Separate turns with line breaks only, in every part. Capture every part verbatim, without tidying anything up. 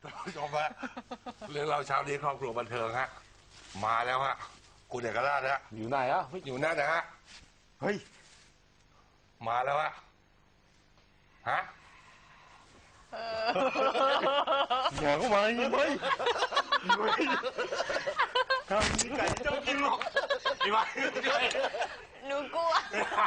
ท่านผู้ชมฮะเรื่องเราเช้านี้ครอบครัวบันเทิงฮะมาแล้วฮะคุณเอกราชฮะ
อยู่ไหนอ่ะ
อยู่นั่นนะฮะ
เฮ้ย
มาแล้วฮะฮะ
อย่าเข้ามาอีกไหมทำนี้ไก่เจ้ากินหรอกอีไว้
หนูกลัว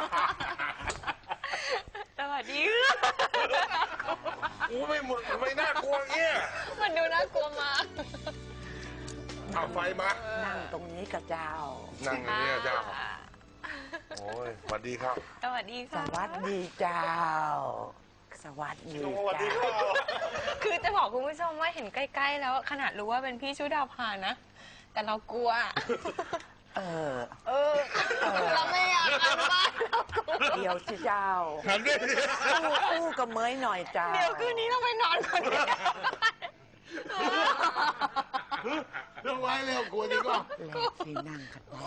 สวัสดีค่ะ
อู้ไม่หมดไม่น่ากลัวเงี้ย
มันดูน่ากลัวมาก
เอาไฟมา
นั่งตรงนี้กับเจ้า
นั่งอย่างนี้เจ้าโอ้ยสวัสดีครับ
สวัสดี
ส
ค่ะ
วัสดีเจ้า สวัสดี
สวัสดีครั
เจ้า
บ
คือจะบอกคุณผู้ชมว่าเห็นใกล้ๆแล้วขนาดรู้ว่าเป็นพี่ชุดาภานะ แต่เรากลัว
เออ
เออ เราไม่อยากกลับบ้านเรากลัว
เดี๋ยวสิเจ้า
หันดิ
อู้อู้กับเมยหน่อยเจ้า
เดี๋ยวคืนนี้เราไปนอนคนเดียว
เรื่องไว้เร็วกลัวดีกว่า
แลกที่นั่งกันได้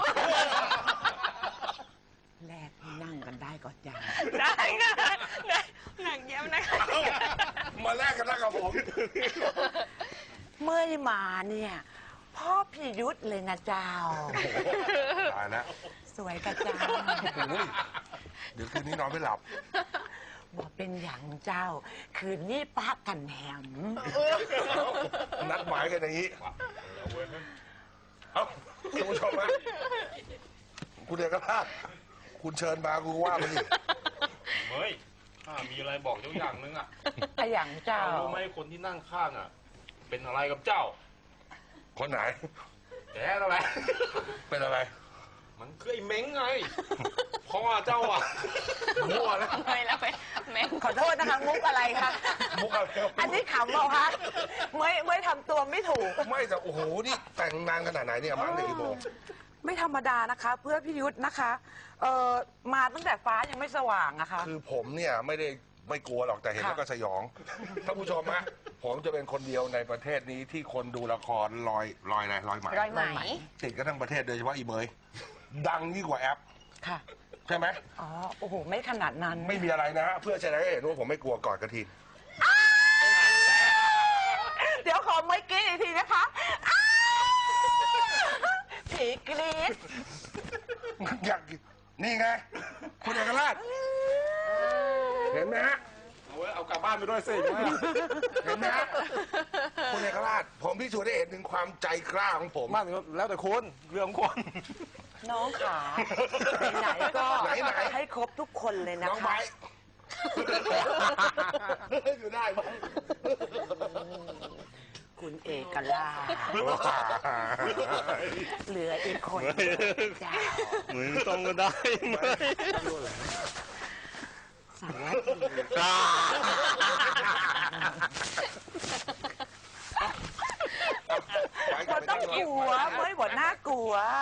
แลกที่นั่งกันได้ก็เจ้า
ได้ค่ะได้หนักเยี่ยมนะคะ
มาแลกกันแล้วกับผม
เมยมาเนี่ยพ่อพี่ยุทธเลยนะเจ้า
ตายแล้ว
สวยกับเจ้า
โอ้ยเดี๋ยวคืนนี้นอนไม่หลับ
บอกเป็นอย่างเจ้า คืนนี้ป้ากันแหม
นัดหมายกันอย่างนี้ เอ้าคุณผู้ชมฮะคุณเอกราชคุณเชิญมาคุณว่ามาดิ
เฮ้ยข้ามีอะไรบอกเจ้าอย่างนึงอ่ะ
ไออย่างเจ้า
รู้ไหมคนที่นั่งข้างอ่ะ เป็นอะไรกับเจ้า
คนไหน
แกอะไร
เป็นอะไร
มันคือไอ้เม้งไง เพราะว่าเจ้าอ่ะ
มั่วนะ
ไม่แล้วไปแม่ง
ขอโทษนะคะมุกอะไรคะ
มุกอะไร
อันนี้ขำเปล่าคะเมยเมยทำตัวไม่ถูก
ไม่แต่โอ้โห นี่แต่งนานขนาดไหนเนี่ยมาตั้งแต่กี่โมง
ไม่ธรรมดานะคะ เพื่อพี่ยุทธนะคะเอ่อมาตั้งแต่ฟ้ายังไม่สว่างอะค่ะ
คือผมเนี่ยไม่ได้ไม่กลัวหรอกแต่เห็นแล้วก็สยอง ท่านผู้ชมฮะผมจะเป็นคนเดียวในประเทศนี้ที่คนดูละครลอยลอยอะไรลอยไหม
รอยไหม
ติดกันทั้งประเทศโดยเฉพาะอีเมยดังยิ่งกว่าแอป
ค่ะ
ใช่ไหม
อ๋อ โอ้โห ไม่ขนาดนั้น
ไม่มีอะไรนะฮะเพื่อแสดงให้เห็นว่าผมไม่กลัวกอดกระทิง
เดี๋ยวขอเมยกรี๊ดอีกทีนะคะอ้าวผีกรี๊ด
อยากนี่ไงคุณเอกราชเห็นไหมฮะ
เอาไว้เอากลับบ้านไปด้วยสิ
เห็นไหมฮะคุณเอกราชผมพิสูจน์ได้เห็นถึงความใจกล้าของผม
บ้านแล้วแต่คนเรื่องคน
น้องขาไหนๆก็
ไหนๆ
ให้ครบทุกคนเลยนะ
น้อง
คะ
ไม้อยู่ได้ไหม
คุณเอกลาชเหลืออีกคนเจ้า
มึงต้องก็ได้ไหม
สวัสดีมันต้องกลัวเมยบอกน่ากลัว